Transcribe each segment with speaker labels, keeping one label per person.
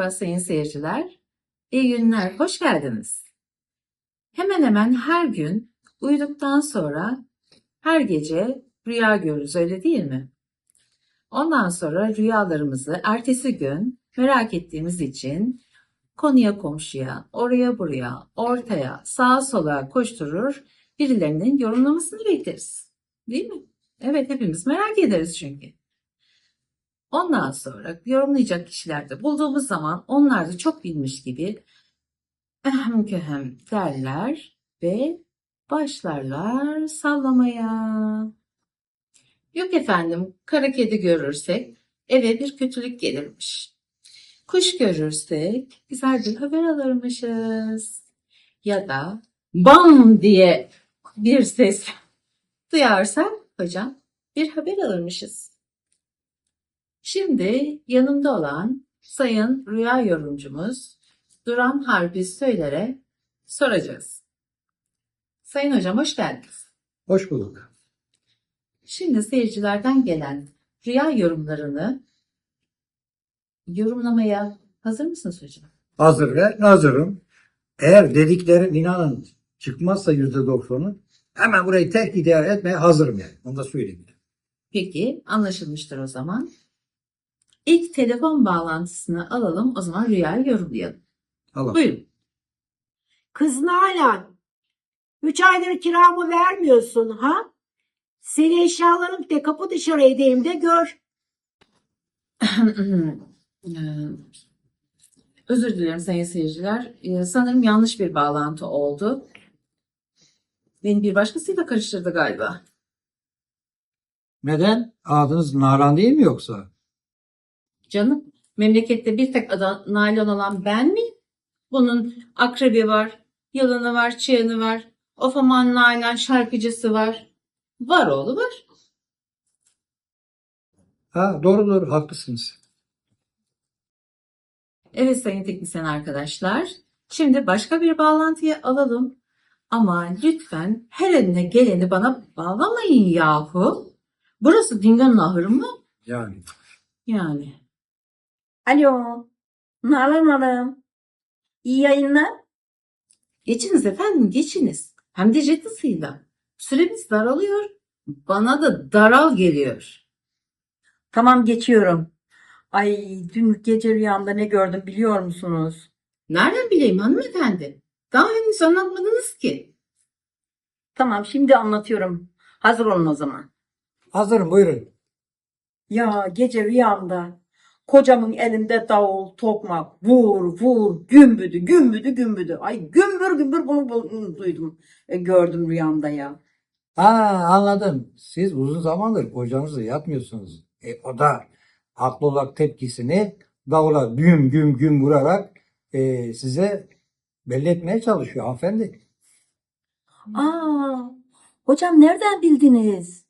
Speaker 1: Merhaba sayın seyirciler. İyi günler, hoş geldiniz. Hemen hemen her gün uyuduktan sonra her gece rüya görürüz, öyle değil mi? Ondan sonra rüyalarımızı ertesi gün merak ettiğimiz için konuya komşuya, oraya buraya, ortaya, sağa sola koşturur, birilerinin yorumlamasını bekleriz. Değil mi? Evet, hepimiz merak ederiz çünkü. Ondan sonra yorumlayacak kişilerde bulduğumuz zaman onlar da çok bilmiş gibi ehem köhem derler ve başlarlar sallamaya. Yok efendim, kara kedi görürsek eve bir kötülük gelirmiş. Kuş görürsek güzel bir haber alırmışız. Ya da bam diye bir ses duyarsak hocam bir haber alırmışız. Şimdi yanımda olan sayın rüya yorumcumuz Duran Harbi Söyler'e soracağız. Sayın hocam hoş geldiniz.
Speaker 2: Hoş bulduk.
Speaker 1: Şimdi seyircilerden gelen rüya yorumlarını yorumlamaya hazır mısınız hocam?
Speaker 2: Hazır ve nazırım. Eğer dediklerim inanın çıkmazsa %90'ı hemen burayı terk idare etmeye hazırım yani. Onu da söyleyeyim.
Speaker 1: Peki anlaşılmıştır o zaman. İlk telefon bağlantısını alalım, o zaman rüyayı yorumlayalım.
Speaker 2: Allah.
Speaker 1: Buyurun.
Speaker 3: Kız Nalan, 3 aydır kiramı vermiyorsun ha? Seni eşyalarım de kapı dışarı edeyim de gör.
Speaker 1: Özür dilerim sayın seyirciler. Sanırım yanlış bir bağlantı oldu. Beni bir başkasıyla karıştırdı galiba.
Speaker 2: Neden? Adınız Nalan değil mi yoksa?
Speaker 1: Canım, memlekette bir tek adı Nalan olan ben miyim? Bunun akrebi var, yılanı var, çıyanı var. Of aman Nalan şarkıcısı var. Var oğlu var.
Speaker 2: Ha, doğru haklısınız.
Speaker 1: Evet sayın teknisyen arkadaşlar. Şimdi başka bir bağlantıyı alalım. Ama lütfen her eline geleni bana bağlamayın yahu. Burası Dingo'nun ahırı mı?
Speaker 2: Yani.
Speaker 1: Yani.
Speaker 3: Alo, Nalan Hanım. İyi yayınlar.
Speaker 1: Geçiniz efendim geçiniz. Hem de jet hızıyla. Süremiz daralıyor. Bana da daral geliyor.
Speaker 3: Tamam geçiyorum. Ay dün gece rüyamda ne gördüm biliyor musunuz?
Speaker 1: Nereden bileyim hanımefendi? Daha henüz anlatmadınız ki.
Speaker 3: Tamam şimdi anlatıyorum. Hazır olun o zaman.
Speaker 2: Hazırım, buyurun.
Speaker 3: Ya gece rüyamda kocamın elinde davul, tokmak, vur vur, gümbüdü, gümbüdü, gümbüdü. Ay gümbür gümbür bunu duydum, gördüm rüyamda ya.
Speaker 2: Ha, anladım. Siz uzun zamandır kocanızla yatmıyorsunuz. O da haklı olarak tepkisini davula güm güm güm vurarak size belli etmeye çalışıyor hanımefendi.
Speaker 3: Aa, hocam nereden bildiniz?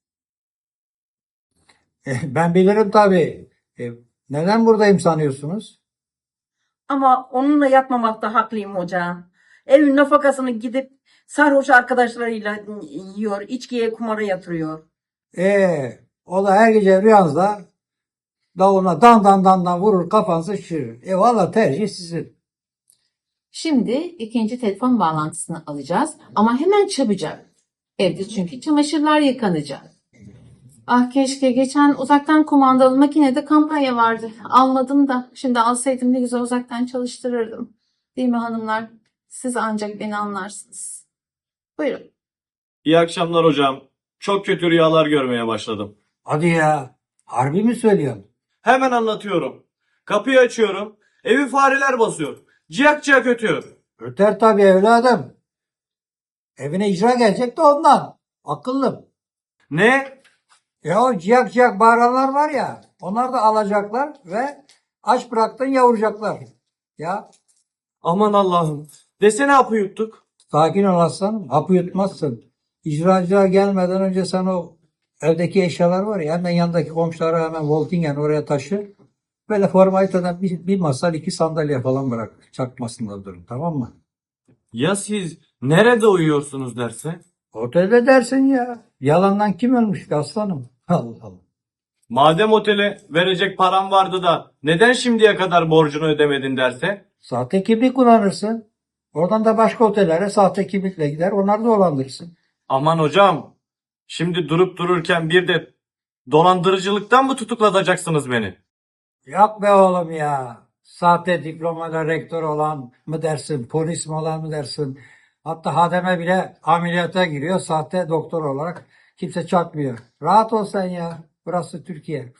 Speaker 2: Ben bilirim tabii. Neden buradayım sanıyorsunuz?
Speaker 3: Ama onunla yatmamakta haklıyım hocam. Evin nafakasını gidip sarhoş arkadaşlarıyla yiyor, içkiye kumara yatırıyor.
Speaker 2: O da her gece rüyanızda davuluna dan dan dan dan vurur, kafanızı şişirir. Valla tercih sizin.
Speaker 1: Şimdi ikinci telefon bağlantısını alacağız. Ama hemen çabucak. Evde çünkü çamaşırlar yıkanacak. Ah keşke geçen uzaktan kumandalı makinede kampanya vardı. Almadım da şimdi alsaydım ne güzel uzaktan çalıştırırdım. Değil mi hanımlar? Siz ancak beni anlarsınız. Buyurun.
Speaker 4: İyi akşamlar hocam. Çok kötü rüyalar görmeye başladım.
Speaker 2: Hadi ya. Harbi mi söylüyorsun?
Speaker 4: Hemen anlatıyorum. Kapıyı açıyorum. Evi fareler basıyor. Ciyak ciyak ötüyor.
Speaker 2: Öter tabii evladım. Evine icra gelecek de ondan. Akıllım.
Speaker 4: Ne?
Speaker 2: Ya o ciyak ciyak bağıranlar var ya. Onlar da alacaklar ve aç bıraktın yavuracaklar. Ya
Speaker 4: Aman Allah'ım. Desene hapı yuttuk.
Speaker 2: sakin ol aslanım. Hapı yutmazsın. İcracılar gelmeden önce sen o evdeki eşyalar var ya hemen yanındaki komşulara hemen Voltingen oraya taşı. Böyle formaliteden bir masa iki sandalye falan bırak. Çakmasınlar durun, tamam mı?
Speaker 4: Ya siz nerede uyuyorsunuz derse?
Speaker 2: Otelde dersin ya. Yalandan kim ölmüş ki aslanım? Allah Allah.
Speaker 4: Madem otele verecek param vardı da neden şimdiye kadar borcunu ödemedin derse?
Speaker 2: Sahte kimlik kullanırsın. Oradan da başka otellere sahte kimlikle gider. Onları dolandırırsın.
Speaker 4: Aman hocam, şimdi durup dururken bir de dolandırıcılıktan mı tutuklatacaksınız beni?
Speaker 2: Yok be oğlum ya. Sahte diplomayla rektör olan mı dersin, polis mi olan mı dersin? Hatta hademe bile ameliyata giriyor sahte doktor olarak. Kimse çarpmıyor. Rahat ol sen ya. Burası Türkiye.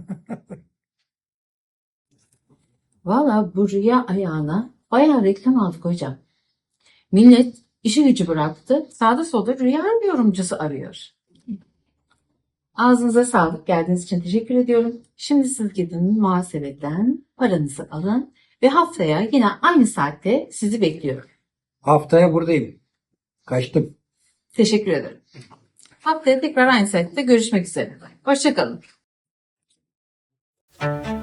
Speaker 1: Valla bu rüya ayağına bayağı reklam aldık hocam. Millet işi gücü bıraktı. Sağda solda rüya yorumcusu arıyor. Ağzınıza sağlık. Geldiğiniz için teşekkür ediyorum. Şimdi siz gidin muhasebeden paranızı alın ve haftaya yine aynı saatte sizi bekliyorum.
Speaker 2: Haftaya buradayım. Kaçtım.
Speaker 1: Teşekkür ederim. Haftaya tekrar aynı saatte görüşmek üzere. Hoşça kalın.